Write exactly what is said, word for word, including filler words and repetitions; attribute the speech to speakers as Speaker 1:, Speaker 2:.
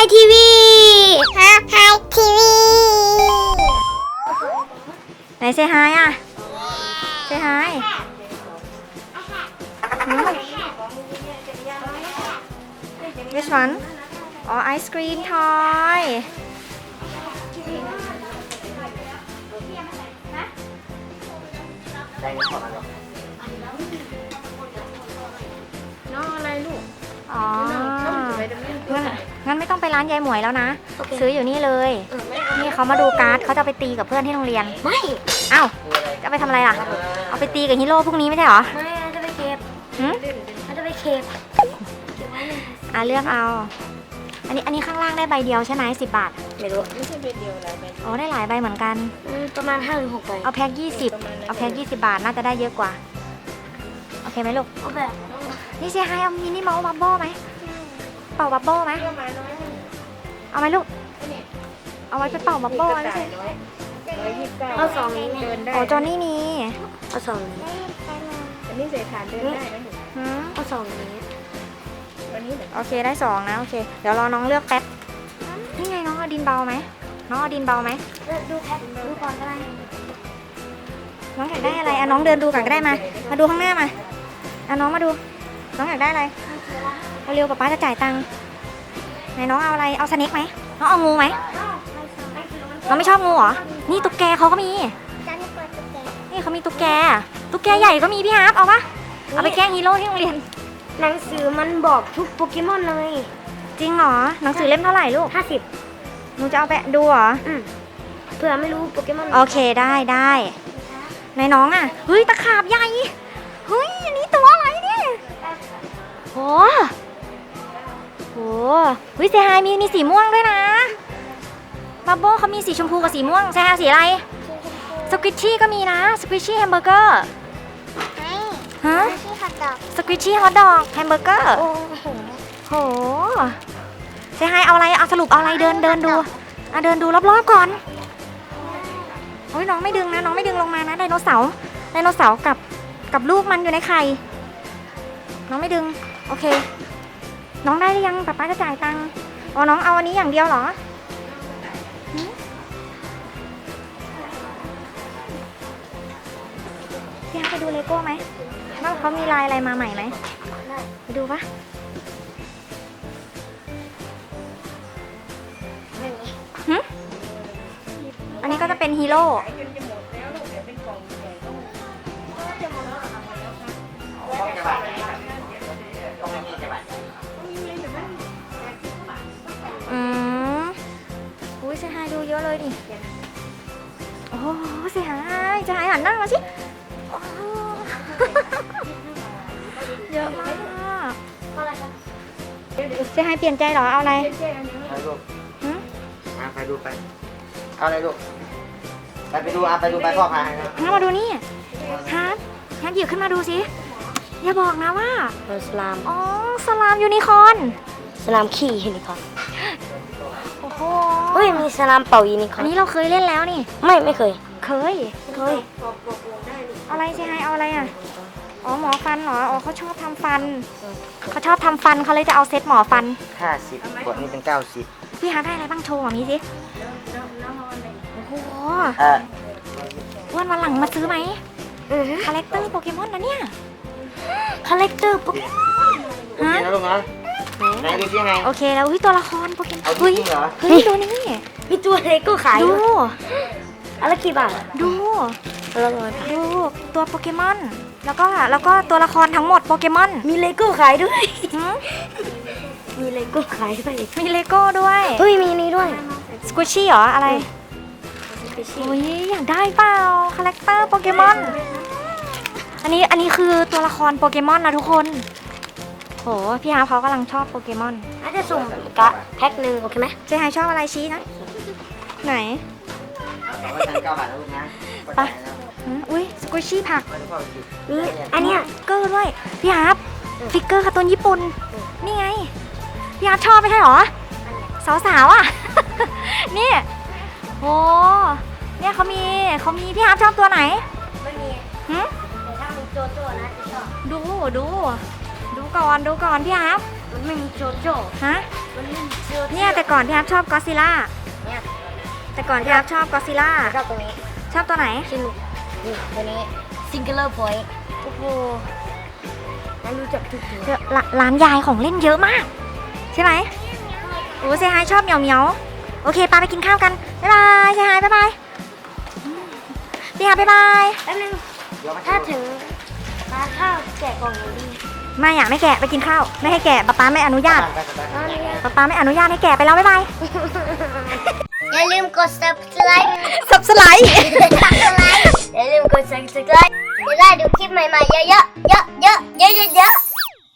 Speaker 1: ทีวีฮาไฮทีวีไหนเซฮายอ่ะเซฮายWhich one อ๋อไอศกรีมทอย
Speaker 2: น้องอะไรลูก
Speaker 1: อ๋องั้นงั้นไม่ต้องไปร้านยายหมวยแล้วนะ ซื้ออยู่นี่เลย นี่เขามาดูการ์ดเขาจะไปตีกับเพื่อนที่โรงเรียน
Speaker 2: ไม่
Speaker 1: อ้าวจะไปทำอะไรล่ะเอาไปตีกับฮีโร่พวกนี้ไม่ใช่เหรอ
Speaker 2: ไม่จะไปเก็บ
Speaker 1: หืม
Speaker 2: จะไปเก็บ
Speaker 1: อ่ะเลือกเอาอันนี้อันนี้ข้างล่างได้ใบเดียวใช่ไหมสิบบาท
Speaker 2: ไม่รู้ไม่ใช่ใบเดียวหลายใบ
Speaker 1: อ๋อได้หลายใบเหมือนกัน
Speaker 2: ประมาณห้าหรือหกใบ
Speaker 1: เอาแพ็คยี่สิบเอาแพ็คยี่สิบบาทน่าจะได้เยอะกว่าโอเคไหมลูก
Speaker 2: เอาแบบ
Speaker 1: นี่เซฮายเอามินิเมาส์บับเบิ้ลไหมเป่าบับเบิ้ลไหมเอาไหมลูกเอาไว้ไปเป่าบับเบิ้ลไม่ใช่
Speaker 2: เอาสองนี้
Speaker 1: อ๋อจอนี่นี่
Speaker 2: เอาสองนี้อันนี้เศษฐานเดินได้ไหมเอาสองนี้
Speaker 1: โอเคได้สองนะโอเคเดี๋ยวรอน้องเลือกแป๊บนี่ไงน้องเอาดินเบาไหมน้องเอาดินเบาไหม
Speaker 2: ดูแพ็คดูก่อนก็ได้
Speaker 1: น้องอยากได้อะไรอ่ะน้องเดินดูก่อนก็ได้มามาดูข้างหน้ามาอ่ะน้องมาดูน้องอยากได้อะไรเร็วๆป๊าป๊าจะจ่ายตังค์ไหนน้องเอาอะไรเอาสเน็กไหมน้องเอางูไหมน้องไม่ชอบงูเหรอนี่ตุ๊กแกเขาก็มีนี่เขามีตุ๊กแกตุ๊กแกใหญ่ก็มีพี่ฮาร์ปเอาปะเอาไปแกล้งฮีโร่ที่โรงเรียน
Speaker 2: หนังสือมันบอกทุกโปเกมอนเลย
Speaker 1: จริงเหรอหนังสือเล่มเท่าไหร่ลูก
Speaker 2: ห้าสิบ
Speaker 1: หนูจะเอาไปดูเหรอ
Speaker 2: อืมเผื่อไม่รู้โปเกมอน
Speaker 1: โอเคได้ได้ในน้องอ่ะเฮ้ยตะขาบใหญ่เฮ้ยอันนี้ตัวอะไรเนี่ยโหโหเฮ้ยเซฮายมีมีสีม่วงด้วยนะบับเบิ้ลเขามีสีชมพูกับสีม่วงเซฮายสีอะไรสควิชชี่ก็มีนะสควิชชี่แฮมเบอร์เกอร์ฮะสควิชชี่ฮอทดอกแฮมเบอร์เกอร์โอ้โหเซฮายเอาอะไรเอาสรุปเอาอะไรเดินเดินดูอ่ะเดินดูรอบๆก่อนโอ้ยน้องไม่ดึงนะน้องไม่ดึงลงมานะไดโนเสาร์ไดโนเสาร์กับกับลูกมันอยู่ในไข่น้องไม่ดึงโอเคน้องได้หรือยังป๊าป๊าจะจ่ายตังค์อ๋อน้องเอาอันนี้อย่างเดียวเหรอพี่ฮาไปดูเลโก้ไหมว่าเขามีลายอะไรมาใหม่ไหมไปดูปะหืมอันนี้ก็จะเป็นฮีโร่อืมอุ้ยเซฮายดูเยอะเลยดิโอ้เซฮายเซฮายหันหน้ามาสิเยอะมากเซฮายเปลี่ยนใจเหรอเอาอะไร
Speaker 3: ไปลูกมาไปดูไปเอาอะไรลูกไปไปดูอ่ะไปดูไปพ่อพาให้นะ
Speaker 1: งั้นมาดูนี่ฮาร์ดฮาร์ดหยิบขึ้นมาดูสิอย่าบอกนะว่า
Speaker 2: สลาม
Speaker 1: อ๋อสลามยูนิคอร์น
Speaker 2: สลามขี่ยูนิคอร์น
Speaker 1: โอ้โห
Speaker 2: เฮ้ยมีสลามเป่ายูนิคอร์น
Speaker 1: อันนี้เราเคยเล่นแล้วนี่
Speaker 2: ไม่ไม่เคย
Speaker 1: เคย
Speaker 2: เคย
Speaker 1: อะไรใช่ไหมเอาอะไรอ่ะอ๋อหมอฟันเหรออ๋อเขาชอบทำฟันเขาชอบทำฟันเขาเลยจะเอาเซตหมอฟัน
Speaker 3: ห้าสิบขวดนี้เป็นเก้าสิบ
Speaker 1: พี่ฮาได้อะไรบ้างโชว์แบบนี้สิโอ้โหวันวันหลังมาซื้อไหมคาแรคเตอร์โปเกมอนนะเนี่ย
Speaker 2: คาแรคเตอร์โปเกมอน
Speaker 3: ฮะลูกนะไหนดูยังไง
Speaker 1: โอเคแล้วอุ้ยตัวละครโปเกมอน
Speaker 3: เฮ้ย
Speaker 1: เฮ้ยดูนี่
Speaker 2: มีตัวเลโก้ขาย
Speaker 1: ดู
Speaker 2: อะไรกี่บาท
Speaker 1: ดูดูตัวโปเกมอนแล้วก็แล้วก็ตัวละครทั้งหมดโปเกมอน
Speaker 2: มีเลโก้ขายด้วยมีเลโก้ขายด้วย
Speaker 1: มีเลโก้ด้วย
Speaker 2: เฮ้ยมีนี้ด้วย
Speaker 1: สควิชชี่เหรออะไรโอ้ยอยากได้เปล่าคาแรคเตอร์โปเกมอนอันนี้อันนี้คือตัวละครโปเกมอนนะทุกคนโหพี่ฮาเขากำลังชอบโปเกมอน
Speaker 2: อาจจะสุ่มกะแพ็คหนึ่งโอเคไหม
Speaker 1: เจ๊ไฮชอบอะไรชี้นะไหน
Speaker 3: เก้าบาทแล้วลูกนะ
Speaker 1: ไปอุ้ยสควิชชี่ผัก
Speaker 2: นี่อันเนี้ย
Speaker 1: เกอร์ด้วยพี่ฮาฟิกเกอร์การ์ตูนญี่ปุ่นนี่ไงพี่ฮาชอบไม่ใช่หรอสาวๆอ่ะนี่โอ้เนี่ยเขามีเขามีพี่ฮาชอบตัวไหน
Speaker 2: ไม่มี
Speaker 1: หืม
Speaker 2: แต่ถ้ามีโจโจ้นะจะชอบ
Speaker 1: ดูดูดูก่อนดูก่อนพี่ฮา
Speaker 2: มันไม่มีโจโจ้
Speaker 1: ฮะ
Speaker 2: มันไม่มีโจโจ้
Speaker 1: เนี่ยแต่ก่อนพี่ฮับชอบก็อดซิลล่า
Speaker 2: เนี่ย
Speaker 1: แต่ก่อนพี่ฮับชอบก็อดซิลล่า
Speaker 2: ชอบตรงนี้
Speaker 1: ชอบตัวไหน
Speaker 2: สนุกนี่ตัวนี้ singular point
Speaker 1: โอ้โห
Speaker 2: มันรู้จักทุกตัว
Speaker 1: เดี๋ยวร้าร้านยายของเล่นเยอะมาก ใช่ไหมโอ้เซฮายชอบเหมียวเหมียวโอเคปาไปกินข้าวกัน บ๊ายบายเซฮายบ๊ายบายพี่ฮับบ๊ายบาย
Speaker 2: แป๊บนึง
Speaker 3: เดี๋ยวมา
Speaker 2: ถ้าถึงมาข้าวแกะกล่องหนูดี
Speaker 1: ไม่อยากไม่แกะไปกินข้าว ไม่ให้แกะป๊าป๊าไม่อนุญาต
Speaker 3: ไปไปไป
Speaker 2: อ๋อนี่ไง
Speaker 1: ป๊าป๊าไม่อนุญาตให้แกะไปแล้วบ๊ายบาย
Speaker 2: อย่าลืมกด subscribe
Speaker 1: สับสไลด์
Speaker 2: subscribe อย่าลืมกด subscribe จะได้ดูคลิปใหม่ๆเยอะๆเยอะๆเยอะๆเยอะๆ